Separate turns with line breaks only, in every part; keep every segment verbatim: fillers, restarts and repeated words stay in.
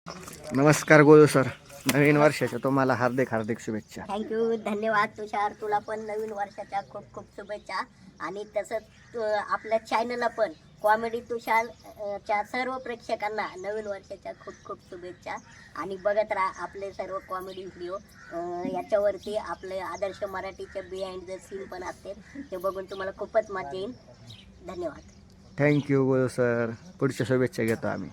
नमस्कार गोलू सर, नवीन वर्षाच्या तुम्हाला हार्दिक हार्दिक शुभेच्छा.
थँक्यू, धन्यवाद तुषार. तुला पण नवीन वर्षाच्या खूप खूप शुभेच्छा. आणि तसंच अ, आपल्या चॅनलला पण कॉमेडी तुषार अ, च्या सर्व प्रेक्षकांना नवीन वर्षाच्या खूप खूप शुभेच्छा. आणि बघत राहा आपले सर्व कॉमेडी व्हिडिओ. याच्यावरती आपले आदर्श मराठीचे बिहाइंड द सीन पण असते, ते बघून तुम्हाला खूपच मजा येईल. धन्यवाद.
Thank you Golu sir. पुढच्या शुभेच्छा घेतो आम्ही.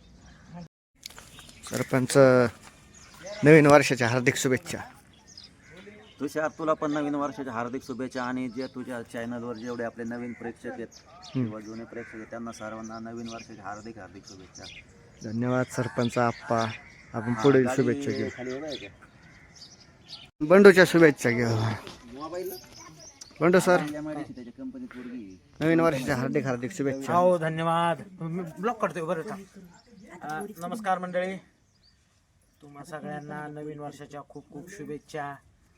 सरपंच, नवीन वर्षाच्या हार्दिक शुभेच्छा.
तुषार, तुला पण नवीन वर्षाच्या हार्दिक शुभेच्छा. आणि जे तुझ्या चॅनलवर जेवढे आपले नवीन प्रेक्षक आहेत किंवा जुने प्रेक्षक आहेत त्यांना सर्वांना नवीन वर्षाच्या हार्दिक हार्दिक शुभेच्छा.
धन्यवाद सरपंच आप्पा. आपण पुढील
गाडी
शुभेच्छा घेऊ.
खाली उभं आहे का?
बंडूच्या शुभेच्छा घेऊ.
मोबाईल
बंडू सर,
त्याच्या कंपनीत पोरगी.
नवीन वर्षाच्या हार्दिक हार्दिक शुभेच्छा.
हो, धन्यवाद. मी ब्लॉक करतोय बरं का. अ, नमस्कार मंडळी, तुम्हा सगळ्यांना नवीन वर्षाच्या खूप खूप शुभेच्छा.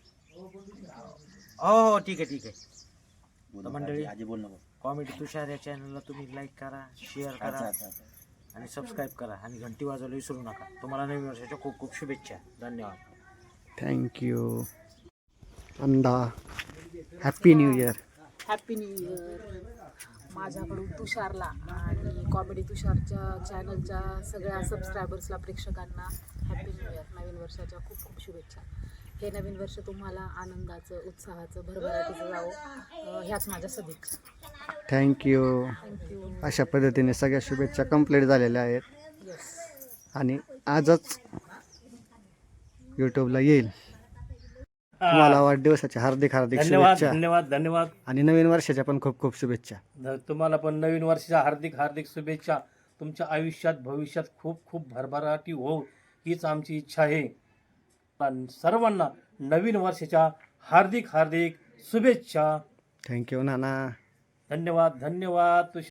हो हो, ठीक आहे ठीक आहे. तर मंडळी,
आजी बोल नको.
कॉमेडी तुषार या चॅनलला तुम्ही लाईक करा, शेअर करा आणि सबस्क्राईब करा आणि घंटी वाजवायला विसरू नका. तुम्हाला नवीन वर्षाच्या खूप खूप शुभेच्छा. धन्यवाद.
थँक्यू. अंदा, happy new year.
Happy new year माझ्याकडून तुषारला आणि कॉमेडी तुषारच्या चॅनलच्या सगळ्या सबस्क्रायबर्सला, प्रेक्षकांना हॅपी न्यू इयर, नवीन वर्षाच्या खूप खूप शुभेच्छा. हे नवीन वर्ष तुम्हाला आनंदाचं, उत्साहाचं, भरभराटीचं जावं, ह्याच माझ्या सदिच्छा.
थँक्यू.
थँक्यू.
अशा पद्धतीने सगळ्या शुभेच्छा कंप्लीट झालेल्या आहेत.
येस.
आणि आजच यूट्यूबला येईल. तुम्हाला वाढदिवसाच्या हार्दिक हार्दिक
धन्यवाद
शुभेच्छा
धन्यवाद धन्यवाद.
आणि नवीन वर्षाच्या पण खूप खूप शुभेच्छा.
ध- तुम्हाला पण नवीन वर्षाच्या हार्दिक हार्दिक शुभेच्छा. तुमच्या आयुष्यात भविष्यात खूप खूप भरभराटी हो हीच आमची इच्छा आहे. सर्वांना नवीन वर्षाच्या हार्दिक हार्दिक शुभेच्छा.
थँक्यू नाना.
धन्यवाद धन्यवाद.